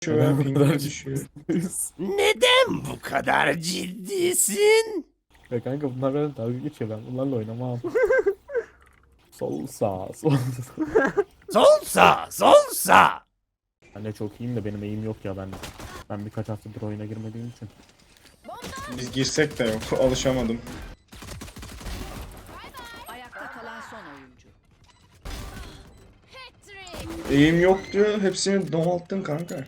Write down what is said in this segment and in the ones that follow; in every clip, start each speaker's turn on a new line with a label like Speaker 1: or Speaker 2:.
Speaker 1: Şöyle
Speaker 2: Bu kadar
Speaker 1: pingine düşüyor.
Speaker 3: Neden bu kadar ciddisin?
Speaker 2: Ya kanka bunlar benden dalga geçiyor, ben bunlarla oynamam. Sol sağ sol sağ.
Speaker 3: Sol sağ, sol sağ.
Speaker 2: Ben de çok iyiyim de benim eğim yok ya, ben birkaç haftadır oyuna girmediğim için.
Speaker 1: Biz girsek de yok. Alışamadım.
Speaker 4: Ayakta kalan son oyuncu.
Speaker 1: Eğim yok diyor. Hepsini domalttın kanka.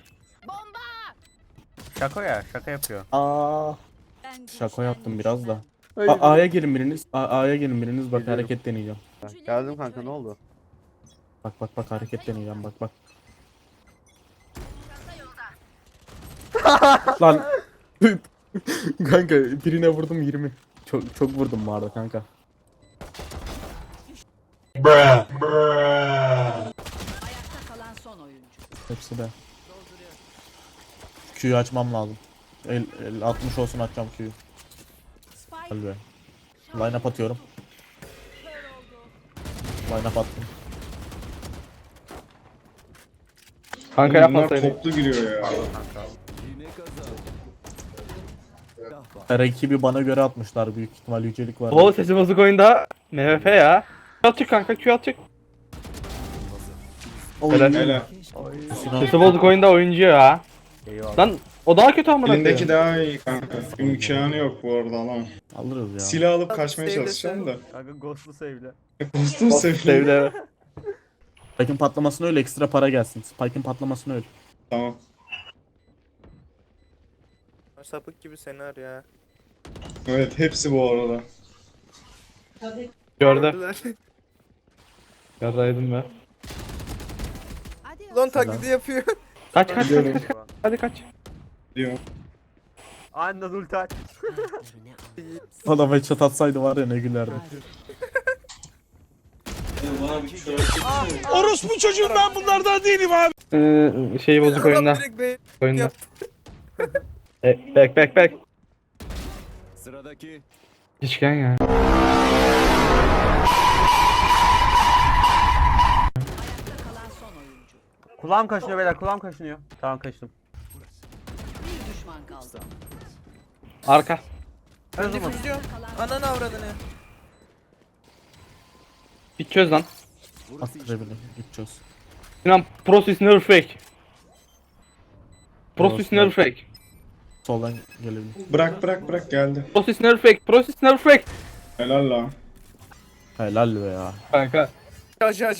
Speaker 3: Şaka ya, şaka yapıyor.
Speaker 2: Aa,
Speaker 4: Ben
Speaker 2: şaka yaptım biraz da.
Speaker 5: Hayır.
Speaker 2: A'ya gelin biriniz. A'ya gelin biriniz, bak
Speaker 5: Geliyorum.
Speaker 2: hareket deneyeceğim.
Speaker 5: Geldim kanka, ne oldu?
Speaker 2: Bak hareket deneyeceğim, bak. Lan. Kanka birine vurdum 20. Çok vurdum bu arada kanka.
Speaker 4: ayakta kalan son oyuncu.
Speaker 2: Hepsi de. Q'yu açmam lazım. 60 olsun, açacağım Q'yu.
Speaker 4: Spike
Speaker 2: Hadi be. Line up atıyorum. Line up attım.
Speaker 5: Kanka
Speaker 1: Bunlar
Speaker 5: yapmasaydın.
Speaker 1: toplu giriyor ya.
Speaker 2: Rakibi bana göre atmışlar, büyük ihtimal yücelik var.
Speaker 5: Oo, sesi bozuk oyunda. MVP ya. Q atacak kanka, Q atacak. Helal.
Speaker 1: Hele.
Speaker 5: Sesi bozuk oyunda oyuncu ya.
Speaker 3: Eyvallah.
Speaker 5: Lan o daha kötü amına
Speaker 1: Elindeki
Speaker 5: koyayım.
Speaker 1: daha iyi kanka. İmkanı yok bu arada alamam.
Speaker 2: Alırız ya.
Speaker 1: Silah alıp kaçmaya çalışacağım da.
Speaker 3: Kanka ghostlu save'le.
Speaker 1: Dostum sevdim.
Speaker 5: Sevdi.
Speaker 2: Spike'ın patlamasına öyle, ekstra para gelsin. Spike'ın patlamasına öyle.
Speaker 1: Tamam.
Speaker 6: Sapık gibi senaryo ya.
Speaker 1: Evet hepsi bu arada.
Speaker 5: Gördü. Yaraydım ben.
Speaker 4: hadi
Speaker 6: Lan taklidi yapıyor.
Speaker 5: Kaç.
Speaker 1: Biliyorum.
Speaker 5: Hadi kaç.
Speaker 1: Diyorum.
Speaker 3: Anla ulti aç.
Speaker 2: Adam headshot atsaydı var ya, ne gülerdi.
Speaker 3: Orospu çocuğum, ben bunlardan değilim abi.
Speaker 5: Şey bozuk oyunda.
Speaker 6: Adam direkt be-
Speaker 5: Oyunda.
Speaker 6: yaptı.
Speaker 5: Back.
Speaker 7: Sıradaki
Speaker 5: Geçken ya.
Speaker 4: ayakta kalan son oyuncu.
Speaker 3: Kulağım kaşınıyor beyler, kulağım kaşınıyor. Tamam, kaşındım.
Speaker 4: Bir düşman kaldı.
Speaker 5: Arka.
Speaker 6: Ben difüzyon. Ananı avradını.
Speaker 5: Bir çöz lan.
Speaker 2: Attırabilirim. Gideceğiz.
Speaker 5: Sinan process never fake. Process never fake.
Speaker 2: Soldan gelebilir.
Speaker 1: Bırak geldi.
Speaker 5: Process never fake. Process never fake.
Speaker 1: Helal lan.
Speaker 2: Helal be ya.
Speaker 5: Kanka.
Speaker 6: Ja.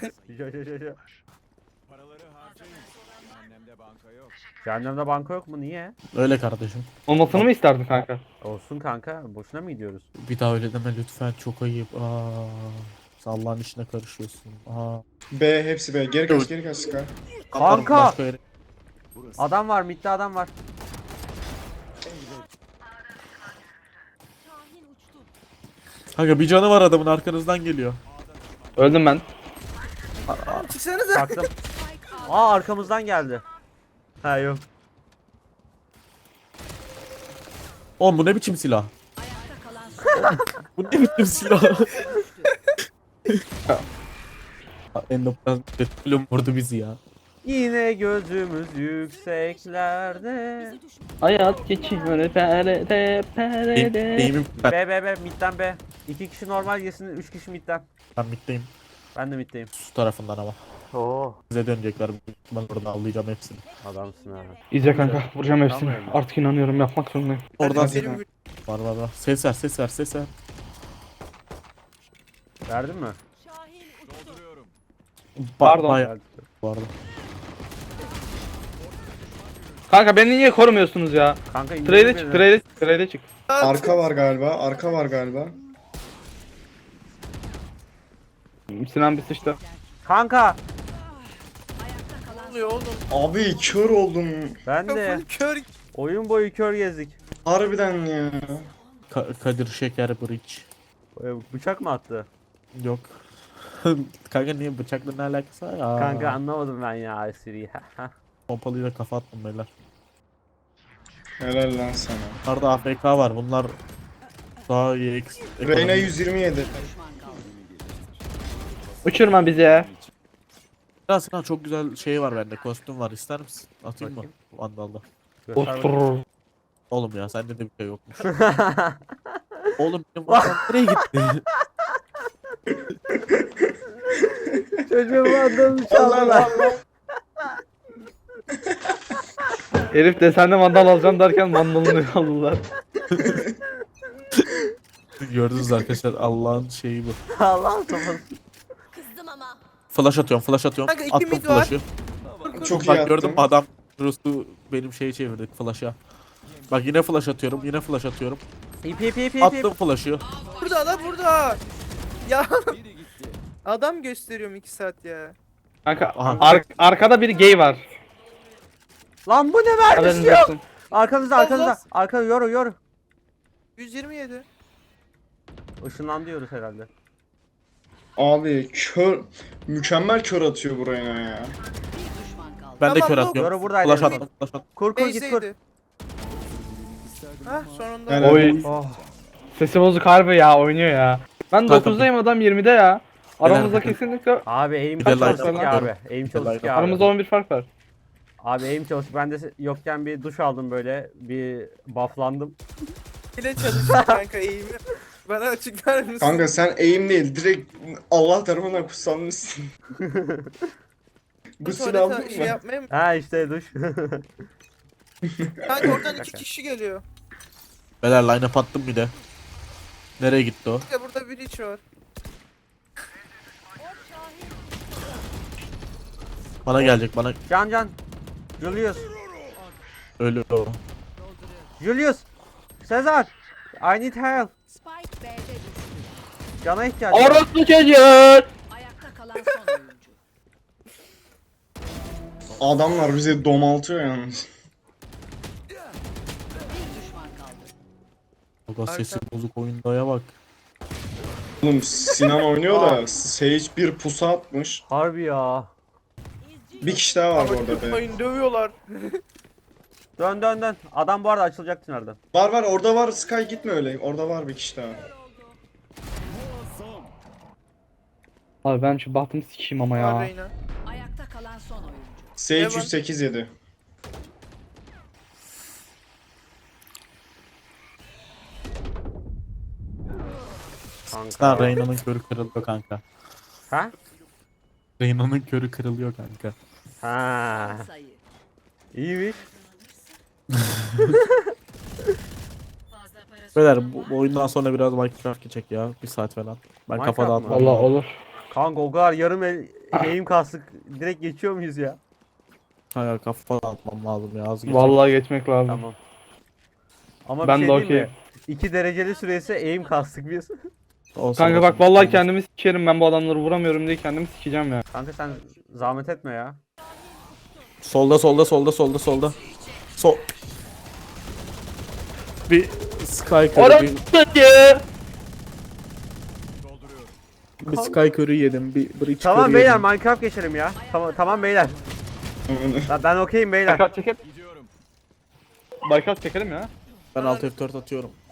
Speaker 7: paraları harcayın. Annemde banka yok.
Speaker 3: Cehennemde banka yok mu? Niye?
Speaker 2: Öyle kardeşim.
Speaker 5: Olmasını mı isterdin kanka?
Speaker 3: Olsun kanka, boşuna mı gidiyoruz?
Speaker 2: Bir daha öyle deme lütfen, çok ayıp. Allah'ın işine karışıyorsun.
Speaker 1: B hepsi B. Geri kaç Sky.
Speaker 3: Kanka!
Speaker 2: Başka yere-
Speaker 3: Adam var, midde adam var.
Speaker 2: Kanka bir canı var adamın, arkanızdan geliyor.
Speaker 5: Öldüm ben.
Speaker 6: Çıksanıza.
Speaker 3: Baktım. Aa, arkamızdan geldi. Ha yok.
Speaker 2: Oğlum bu ne biçim silah?
Speaker 4: Ayakta kalan son
Speaker 2: Bu ne biçim silah? Endoplazm petrolüm vurdu bizi ya.
Speaker 3: Yine gözümüz yükseklerde.
Speaker 5: Hayat geçiyor perede perede.
Speaker 2: Eğimim ben.
Speaker 3: B, midden B. 2 kişi normal yesin, 3 kişi midden.
Speaker 2: Ben middeyim.
Speaker 3: Ben de middeyim.
Speaker 2: Su tarafından ama.
Speaker 3: Oo.
Speaker 2: Bize dönecekler. Ben orada avlayacağım hepsini.
Speaker 3: Adamsın ha.
Speaker 5: İzle kanka, vuracağım hepsini.
Speaker 3: Tamam.
Speaker 5: Artık inanıyorum, yapmak zorundayım.
Speaker 2: Oradan
Speaker 6: Hadi benim
Speaker 2: var. Ses ver.
Speaker 3: Verdin mi?
Speaker 7: Dolduruyorum.
Speaker 5: Pardon.
Speaker 2: Bayağı bu arada.
Speaker 5: Kanka beni niye korumuyorsunuz ya?
Speaker 3: Kanka
Speaker 5: Trade'e çık, trade'e çık.
Speaker 1: Arka var galiba.
Speaker 5: Sinan bir sıçtı.
Speaker 3: Kanka.
Speaker 6: oluyor oğlum.
Speaker 1: Abi kör oldum.
Speaker 3: Ben de.
Speaker 6: Full kör.
Speaker 3: Oyun boyu kör gezdik.
Speaker 1: Harbiden ya.
Speaker 2: Kadir Şeker Bridge.
Speaker 3: Bıçak mı attı?
Speaker 2: Yok. Kanka niye bıçakla ne alakası var ya?
Speaker 3: Kanka anlamadım ben ya espriyi.
Speaker 2: Pompalıyla kafa attım beyler.
Speaker 1: Helal lan sana.
Speaker 2: Bunlarda AFK var. Bunlar daha iyi
Speaker 1: Reyna 127.
Speaker 4: düşman kaldı.
Speaker 5: Uçurma bizi ya.
Speaker 2: Ya Sinan çok güzel şey var bende. Kostüm var. İster misin? Atayım mı? Vandal'da.
Speaker 3: Göster bakayım.
Speaker 5: Ostur.
Speaker 2: Oğlum ya sende de bir şey yokmuş. Oğlum benim Vandal nereye gitti?
Speaker 3: Çocuğum adamı
Speaker 1: Allah
Speaker 3: çaldılar.
Speaker 1: Allah.
Speaker 5: Herif desende mandal alacağım derken mandalını aldılar.
Speaker 2: Gördünüz arkadaşlar Allah'ın şeyi bu.
Speaker 3: Allah'ım kafası.
Speaker 4: Kızdım ama.
Speaker 2: Flash atıyorum, flash atıyorum.
Speaker 6: Kanka, iki
Speaker 2: Attım
Speaker 6: mid var.
Speaker 2: flash'ı.
Speaker 1: Çok iyi
Speaker 2: Bak gördüm
Speaker 1: attın.
Speaker 2: adam Rus'u benim şeyi çevirdik flash'a. Bak yine flash atıyorum, yine flash atıyorum.
Speaker 3: İp.
Speaker 2: Attım flash'ı.
Speaker 6: Burada lan burada. Ya. Adam gösteriyorum 2 saat ya.
Speaker 5: Kanka
Speaker 2: Aha.
Speaker 5: arkada bir gay var.
Speaker 3: Lan bu ne
Speaker 5: Haberiniz
Speaker 3: vermiş yok.
Speaker 5: olsun.
Speaker 3: Arkanızda arkanızda. Arka yoru.
Speaker 6: 127.
Speaker 3: Işınlan diyoruz herhalde.
Speaker 1: Abi kör, mükemmel kör atıyor buraya ya.
Speaker 4: Bir düşman kaldı.
Speaker 2: Ben de
Speaker 6: Tamam,
Speaker 2: kör
Speaker 6: yok.
Speaker 2: atıyorum.
Speaker 3: Yoru buradaydı.
Speaker 2: Flash attım, flash attım.
Speaker 3: Kur git kur.
Speaker 6: Base'deydi. Hah sonunda.
Speaker 1: Helal.
Speaker 5: Oy.
Speaker 3: Oh.
Speaker 5: Sesi bozuk harbi ya oynuyor ya. Ben
Speaker 2: Kanka,
Speaker 5: 9'dayım adam 20'de ya. Aramızda
Speaker 2: Helal.
Speaker 5: kesinlikle
Speaker 3: Abi aim
Speaker 2: Bir de
Speaker 3: çalıştık
Speaker 2: line-up
Speaker 3: ya abi.
Speaker 2: yapıyorum.
Speaker 3: Aim
Speaker 2: Bir de
Speaker 3: çalıştık ya
Speaker 2: line-up.
Speaker 3: abi.
Speaker 5: aramızda 11 fark var.
Speaker 3: Abi aim çalıştık. Ben de yokken bir duş aldım böyle. Bir bufflandım.
Speaker 6: Bile çalışıyor kanka eğimi. Bana açıklar mısın?
Speaker 1: Kanka sen aim değil, direkt Allah tarafından kutsanmışsın.
Speaker 6: Bu
Speaker 1: Gusül
Speaker 6: tuvalete
Speaker 1: aldın
Speaker 6: şey
Speaker 1: mı?
Speaker 6: yapmaya mı?
Speaker 3: Ha işte duş.
Speaker 6: Kanka oradan 2 kişi geliyor.
Speaker 2: Beyler line up attım bir de. Nereye gitti o?
Speaker 6: Kanka burada bir iç var.
Speaker 2: Bana gelecek, bana
Speaker 3: Can. Julius.
Speaker 2: ölü o.
Speaker 3: Julius. Sezar. I need help.
Speaker 4: Spike B'de düştü.
Speaker 3: Cana ihtiyacım var.
Speaker 5: Orospu çocuğu.
Speaker 4: Ayakta kalan son oyuncu.
Speaker 1: Adamlar bizi domaltıyor yalnız.
Speaker 4: Bir düşman kaldı.
Speaker 2: Baba sesi bozuk oyundaya bak.
Speaker 1: Oğlum Sinan oynuyor da Sage bir pusu atmış.
Speaker 3: Harbi ya.
Speaker 1: Bir kişi daha var bu arada be.
Speaker 6: Tutmayın dövüyorlar.
Speaker 3: Dön. Adam bu arada açılacak tünelden.
Speaker 1: Var orada var, Sky gitme öyle. Orada var bir kişi daha.
Speaker 5: Abi ben şu bahtımı sikeyim ama
Speaker 6: Var
Speaker 5: ya.
Speaker 6: Reyna.
Speaker 4: Ayakta kalan son oyuncu.
Speaker 1: Sage
Speaker 6: Evan.
Speaker 1: 108 yedi.
Speaker 3: Kanka.
Speaker 2: Lan Reyna'nın körü kırılıyor kanka.
Speaker 3: Ha?
Speaker 2: Reyna'nın körü kırılıyor kanka.
Speaker 3: Ha.
Speaker 4: Son sayı.
Speaker 3: İyiymiş.
Speaker 2: Beyler bu oyundan sonra biraz Minecraft geçecek ya. Bir saat falan. Ben
Speaker 3: Minecraft
Speaker 2: kafa
Speaker 3: mı?
Speaker 2: dağıtmam.
Speaker 5: Valla olur.
Speaker 3: Kanka o kadar yarım eğim kastık. Direkt geçiyor muyuz ya?
Speaker 2: Hayır kafa dağıtmam lazım ya. Az geçecek.
Speaker 5: Vallahi geçmek lazım.
Speaker 3: Tamam. Ama
Speaker 5: Ben
Speaker 3: bir
Speaker 5: de
Speaker 3: şey diyeyim
Speaker 5: okey.
Speaker 3: mi? 2 dereceli süresi eğim kastık biz.
Speaker 2: Olsun,
Speaker 5: Kanka
Speaker 2: olsun.
Speaker 5: bak vallahi kendimi sikerim ben bu adamları vuramıyorum diye kendimi sikeceğim ya.
Speaker 3: Kanka sen zahmet etme ya.
Speaker 2: Solda. Sol. Bir Sky körü,
Speaker 5: Orospu çocuğu.
Speaker 2: bir Sky körü yedim. Bir Breach
Speaker 3: Tamam
Speaker 2: körü
Speaker 3: beyler
Speaker 2: yedim.
Speaker 3: Minecraft geçelim ya. Tamam beyler. Ben okeyim beyler.
Speaker 5: Baykat çekelim.
Speaker 7: Gidiyorum.
Speaker 5: Baykat çekelim ya.
Speaker 2: Ben alt F4 atıyorum.